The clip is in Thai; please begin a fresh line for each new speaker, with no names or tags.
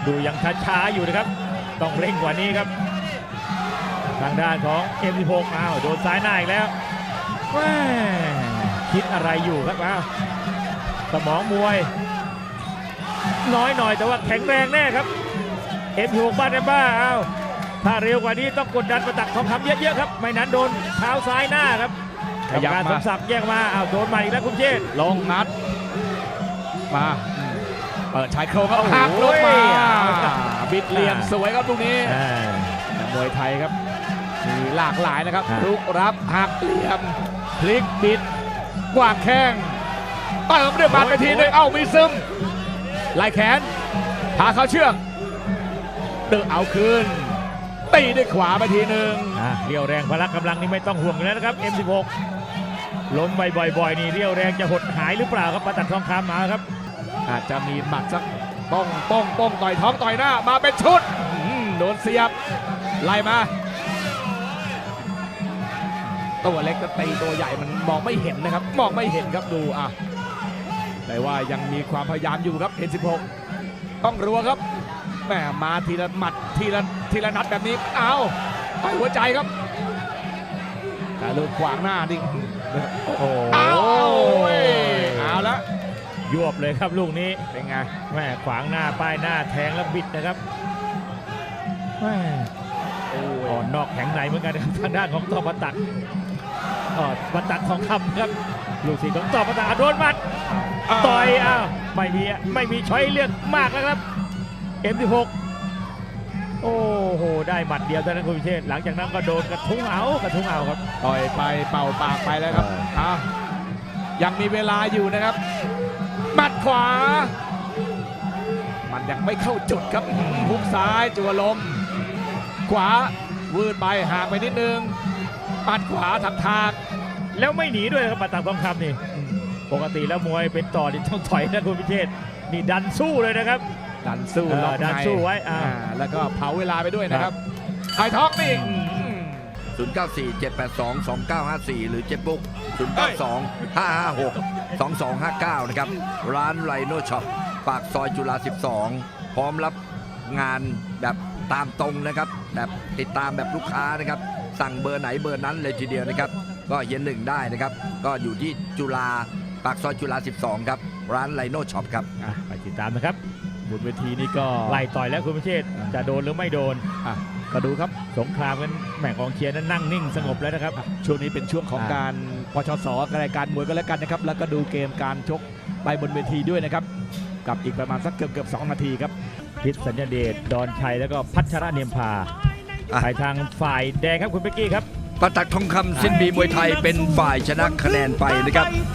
ดูยังช้าๆอยู่นะครับต้องเร่งกว่านี้ครับทางด้านของ M16 อ้าวโดนซ้ายหน้าอีกแล้วแม่คิดอะไรอยู่ครับอ้าวสมองมวยน้อยหน่อยแต่ว่าแข็งแรงแน่ครับ M16 บ้านแอมบ้าอ้าวถ้าเร็วกว่านี้ต้องกดดันประตักทองคำเยอะๆครับไม่นั้นโดนเท้าซ้ายหน้าครับ
ขยับ
การ
มา
สมศักดิ์แยกมาอ้าวโดนใหม่อีกแล้วคุณเชษฐ์
ลงนัดมาเปิดชายโครงครับ
โอ้โห
หักลงมาบิดเหลี่ยมสวยครับลูกนี้
อ่า
มวยไทยครับมีหลากหลายนะครับ
อ่า
ลุกรับหักเหลี่ยมพลิกบิดกวางแข้งเติมด้วยหมัดไปทีนึงเอ้ามีซึมไล่แขนพาเข้าเชือกเดินเอาคืนตีด้วยขวาไปทีนึง
เรียวแรงพละกำลังนี่ไม่ต้องห่วงอยู่แล้วนะครับ M16 ล้มบ่อยๆนี่เรียวแรงจะหดหายหรือเปล่าครับประตักทองคำมาครับ
อาจจะมีหมัดสักป้องต่อยท้องต่อยหน้ามาเป็นชุดโดนเสียบไล่มาตัวเล็กก็ตีตัวใหญ่มันมองไม่เห็นนะครับมองไม่เห็นครับดูแต่ว่ายังมีความพยายามอยู่ครับเห็น16ต้องรัวครับแหมมาทีละหมัดทีละนัดแบบนี้เอาไปหัวใจครับแต่ลูกขวางหน้าดิ
โอ้โห
เอาละ
ยวบเลยครับลูกนี้
เป็นไง
แม่ขวางหน้าป้ายหน้าแทงแล้วบิดนะครับแม่อ่อนนอกแข็งในเหมือนกันครับทางด้านของต่อประตักประตักทองคำครับลูกศิษย์ของต่อประตักโดนหมัดต่อยอ้าวไม่มีช้อยเลือกมากแล้วครับ M16 โอ้โหได้หมัดเดียวเท่านั้นคุณพิเชษฐ์หลังจากนั้นก็โดนกระทุ้งเอาครับ
ต่อยไปเป่าปากไปแล้วครับยังมีเวลาอยู่นะครับหมัดขวามันยังไม่เข้าจุดครับหุกซ้ายจัวลมขวาวืดไปห่างไปนิดนึงหมัดขวาทำทาง
แล้วไม่หนีด้วยครับประตักทองคำนี่ปกติแล้วมวยเป็นต่อนี่ต้องถอยนะคุณพิเชษฐ์นี่ดันสู้เลยนะครับ
ดันสู้ล็อกใน
ดันสู้ไว้
แล้วก็เผาเวลาไปด้วยนะครับไข่ท้องนี่
0947822954 หรือเจ็บบุ๊ก0925562259 นะครับ ร้านไรโนช็อปปากซอยจุฬา 12 พร้อมรับงานแบบตามตรงนะครับ แบบติดตามแบบลูกค้านะครับ สั่งเบอร์ไหนเบอร์นั้นเลยทีเดียวนะครับ ก็เย็นหนึ่งได้นะครับ ก็อยู่ที่จุฬาปากซอยจุฬา 12 ครับ ร้านไรโนช็อปครับ
ไปติดตามนะครับบนเวทีนี้ก็ไล่ต่อยแล้วคุณพิเชษฐ์จะโดนหรือไม่โดน
ก็ดูครับ
สงครามกันแหม่กองเชียร์นั้นนั่งนิ่งสงบแล้วนะครับ
ช่วงนี้เป็นช่วงของการปชสรายการมวยก็แล้วกันนะครับแล้วก็ดูเกมการชกไปบนเวทีด้วยนะครับกับอีกประมาณสักเกือบ2 นาทีครับ
พิษสัญญาเดชดอนชัยแล้วก็พัชระเนียมพาไปทางฝ่ายแดงครับคุณเป๊กกี้ครับ
ประตักทองคำสิ้นบีมวยไทยเป็นฝ่ายชนะคะแนนไปนะครับ